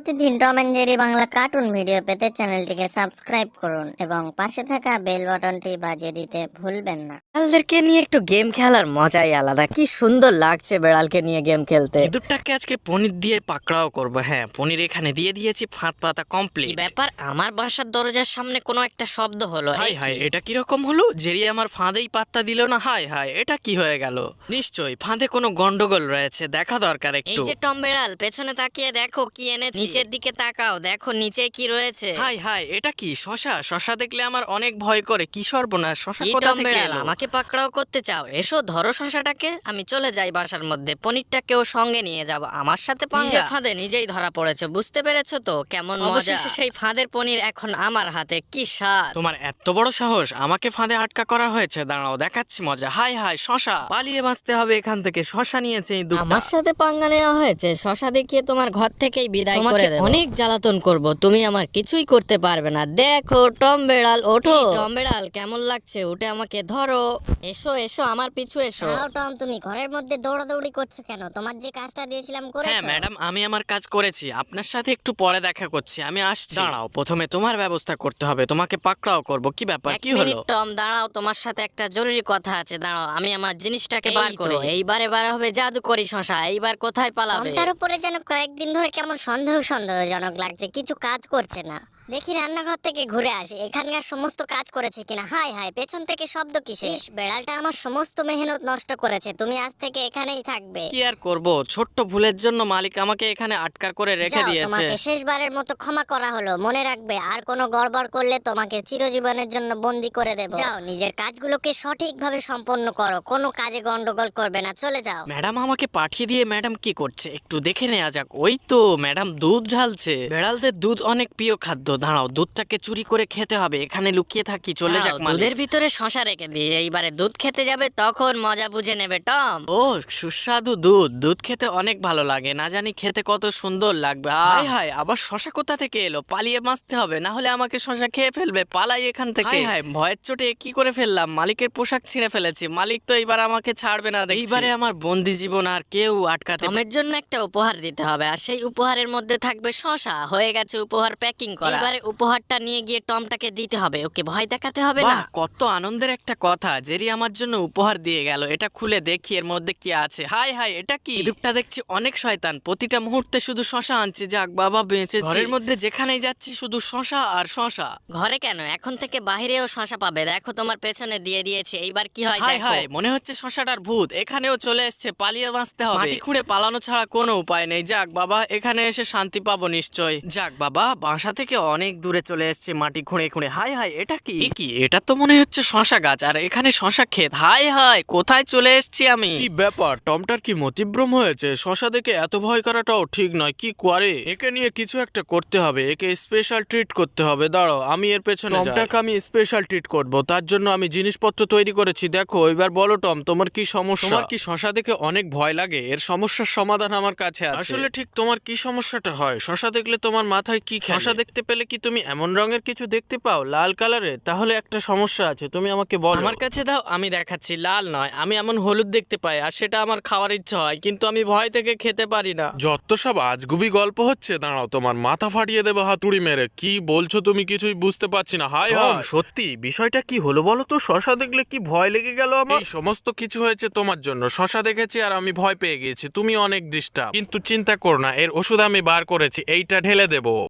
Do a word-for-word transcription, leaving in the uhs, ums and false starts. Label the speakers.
Speaker 1: প্রতিদিন Tom and Jerry Bangla cartoon video পেতে চ্যানেলটিকে সাবস্ক্রাইব করুন এবং পাশে থাকা বেল বাটনটি বাজিয়ে দিতে ভুলবেন না।
Speaker 2: বেড়ালদেরকে নিয়ে একটু গেম খেলার মজাই আলাদা। কি সুন্দর লাগছে বেড়ালকে নিয়ে গেম খেলতে।
Speaker 3: ইঁদুরটাকে আজকে পনির দিয়ে পাকড়াও করবো। হ্যাঁ, পনির এখানে দিয়ে দিয়েছি, ফাঁদ পাতা
Speaker 2: কি
Speaker 3: কমপ্লিট।
Speaker 2: ব্যাপার, আমার বাসার দরজার সামনে কোনো একটা শব্দ হলো।
Speaker 3: হাই
Speaker 2: এই
Speaker 3: হাই,
Speaker 2: কি?
Speaker 3: এটা কিরকম হলো? জেরি আমার ফাঁদেই পাত্তা দিল না। হাই হাই, এটা কি হয়ে গেল? নিশ্চয়ই ফাঁদে কোনো গন্ডগোল রয়েছে, দেখা দরকার
Speaker 2: এই
Speaker 3: একটু।
Speaker 2: যে টম বেড়াল, পেছনে তাকিয়ে দেখো কি এনেছি। নিচের দিকে তাকাও, দেখো নিচে কি রয়েছে।
Speaker 3: হাই হাই, এটা কি? শশা? শশা দেখলে আমার অনেক ভয় করে। কি সর্বনাশ, শশা
Speaker 2: কি
Speaker 3: কোথা
Speaker 2: টম
Speaker 3: থেকে
Speaker 2: বেড়াল,
Speaker 3: এলো?
Speaker 2: আমাকে পাকড়াও করতে চাও? এসো ধরো শশাটাকে, আমি চলে যাই বাসার মধ্যে। পনিরটাকেও সঙ্গে নিয়ে যাব। আমার সাথে নিজে ফাঁদে নিজেই ধরা পড়েছে, বুঝতে পেরেছো তো কেমন মজা? অবশেষে সেই ফাঁদের পনির এখন আমার হাতে, কি স্বাদ।
Speaker 3: তোমার এত বড় সাহস, আমাকে ফাঁদে আটকা করা হয়েছে। দাঁড়াও, দেখাচ্ছি মজা। হাই হাই, শশা! পালিয়ে বাঁচতে হবে এখান থেকে। শশা নিয়েছে এই দুটো।
Speaker 2: আমার সাথে পাঙ্গা নেওয়া হয়েছে, শশা দেখিয়ে তোমার ঘর থেকেই বিদায় করে দেব। অনেক জ্বালাতন করব, তুমি আমার কিছুই করতে পারবে না। দেখো টম বেড়াল, ওঠো। টম বেড়াল, কেমন লাগছে? উঠে আমাকে ধরো। এসো এসো, আমার পিছু এসো।
Speaker 1: দাঁড়াও টম, তুমি ঘরের মধ্যে দৌড়াদৌড়ি করছো কেন? তোমার যে কাজটা দিয়েছিলাম
Speaker 3: হ্যাঁ
Speaker 1: করেছো?
Speaker 3: ম্যাডাম, আমি আমার কাজ করেছি। আপনার সাথে একটু পরে দেখা করছি, আমি আসছি। দাঁড়াও, প্রথমে তোমার ব্যবস্থা করতে হবে। তোমাকে পাকড়াও করব। কি ব্যাপার,
Speaker 2: এক
Speaker 3: কি
Speaker 2: মিনিট
Speaker 3: হলো?
Speaker 2: টম, দাঁড়াও, তোমার সাথে একটা জরুরি কথা আছে। দাঁড়াও, আমি আমার জিনিসটাকে বার
Speaker 3: এই তো।
Speaker 2: করি। এইবারে বার হবে জাদু করি শশা। এইবার কোথায় পালাবে?
Speaker 1: টমটার উপরে যেন কয়েকদিন ধরে কেমন সন্দেহ সন্দেহজনক লাগছে, কিছু কাজ করছে না। দেখি রান্নাঘর থেকে ঘুরে আসি, এখানকার সমস্ত কাজ করেছে কিনা। হাই হাই, পেছন থেকে শব্দ কিসে? ইস, বেড়ালটা আমার সমস্ত মেহনত নষ্ট করেছে। তুমি আজ থেকে এখানেই থাকবে।
Speaker 3: কি আর করব, ছোট্ট ভুলের জন্য মালিক আমাকে এখানে আটকা করে রেখে
Speaker 1: যাও,
Speaker 3: দিয়েছে।
Speaker 1: তোমাকে শেষবারের মতো ক্ষমা করা হলো। মনে রাখবে, আর কোনো গড়বড় করলে তোমাকে চিরজীবনের জন্য বন্দি করে দেব। যাও, নিজের কাজগুলোকে সঠিকভাবে সম্পন্ন করো, কোনো কাজে গন্ডগোল করবে না। চলে যাও।
Speaker 3: ম্যাডাম আমাকে পাঠিয়ে দিয়ে ম্যাডাম কি করছে একটু দেখে নেওয়া যাক। ওই তো ম্যাডাম দুধ ঢালছে। বেড়ালদের দুধ অনেক প্রিয় খাদ্য। দাঁড়াও, দুধটাকে চুরি করে খেতে হবে। এখানে লুকিয়ে থাকি, চলে যাক
Speaker 2: দাঁড়াও,
Speaker 3: মালিক।
Speaker 2: দুধের ভিতরে শশা রেখে দিই। এইবারে দুধ খেতে যাবে, তখন মজা বুঝে নেবে টম।
Speaker 3: ও সুস্বাদু দুধ। দুধ খেতে অনেক ভালো লাগে, না জানি খেতে কত সুন্দর লাগবে। হাই হাই, আবার শশা কোথা থেকে এলো? পালিয়ে বাঁচতে হবে, না হলে আমাকে শশা খেয়ে ফেলবে। পালাই এখান থেকে। হাই হাই, ভয়ের চোটে কি করে ফেললাম? মালিকের পোশাক ছিঁড়ে ফেলেছি। মালিক তো এইবার আমাকে ছাড়বে না। এইবারে আমার বন্দি জীবন আর কেউ আটকাতে পারবে না।
Speaker 2: টমের জন্য একটা উপহার দিতে হবে, আর সেই উপহারের মধ্যে থাকবে শশা। হয়ে গেছে উপহার প্যাকিং করা। এবারে উপহারটা নিয়ে গিয়ে টমটাকে দিতে হবে। ওকে ভয় দেখাতে হবে না।
Speaker 3: বাহ, কত আনন্দের একটা কথা। জেরি আমার জন্য উপহার দিয়ে গেল। এটা খুলে দেখি এর মধ্যে কি আছে। হাই হাই, এটা কি? ইঁদুরটা দেখছি অনেক শয়তান, প্রতিটা মুহূর্তে শুধু শশা আনছে। যাক বাবা, বেঁচেছি। ঘরের মধ্যে যেখানেই যাচ্ছি শুধু শশা আর শশা।
Speaker 2: ঘরে কেন, এখন থেকে বাহিরেও শশা পাবে। দেখো তোমার পেছনে দিয়ে দিয়েছে। এইবার কি হয়
Speaker 3: হাই
Speaker 2: দেখো।
Speaker 3: হাই, মনে হচ্ছে শশাটার ভূত এখানেও চলে এসছে। পালিয়ে বাঁচতে হবে। মাটি খুঁড়ে পালানো ছাড়া কোনো উপায় নেই। যাক বাবা, এখানে এসে শান্তি পাবো নিশ্চয়। যাক বাবা, বাসা থেকে অনেক দূরে চলে এসছে মাটি খুঁড়ে খুঁড়ে। হাই হাই, এটা কি? এ কি? এটা তো মনে হচ্ছে শশা গাছ, আর এখানে শশা ক্ষেত। হাই হাই, কোথায় চলে এসছি আমি?
Speaker 4: কি ব্যাপার, টমটার কি মতিভ্রম হয়েছে? শশা দেখে এত ভয় করাটাও ঠিক নয়। কি করে? একে নিয়ে কিছু একটা করতে হবে, একে স্পেশাল ট্রিট করতে হবে। দাঁড়াও, আমি এর পেছনে যাই। টমটাকে আমি স্পেশাল ট্রিট করব, তার জন্য আমি জিনিসপত্র তৈরি করেছি। দেখো, এবার বলো টম, তোমার কি সমস্যা? তোমার কি শশা দেখে অনেক ভয় লাগে? এর সমস্যার সমাধান আমার কাছে আছে। আসলে ঠিক তোমার কি সমস্যাটা হয়? শশা দেখলে তোমার মাথায় কি খেলে? শশা দেখতে পেলে কি তুমি এমন রঙের কিছু দেখতে পাও, লাল কালারের? তাহলে একটা সমস্যা আছে, তুমি আমাকে বলো।
Speaker 3: আমার কাছে দাও, আমি দেখাচ্ছি। লাল নয়, আমি এমন হলুদ দেখতে পাই, আর সেটা আমার খাওয়ার ইচ্ছা হয়, কিন্তু আমি ভয় থেকে খেতে পারি না।
Speaker 4: যত সব আজগুবি গল্প হচ্ছে। দাঁড়াও, তোমার মাথা ফাটিয়ে দেবো হাতুড়ি মেরে। কি বলছো তুমি? কিছুই বুঝতে পারছি না। হাই হাই, সত্যি বিষয়টা কি হলো বলো তো? শশা দেখলে কি ভয় লেগে গেল আমার? এই সমস্ত কিছু হয়েছে তোমার জন্য। শশা দেখেছি আর আমি ভয় পেয়ে গিয়েছি। তুমি অনেক ডিস্টার্ব। কিন্তু চিন্তা করো না, এর ওষুধ আমি বার করেছি, এইটা ঢেলে দেবো।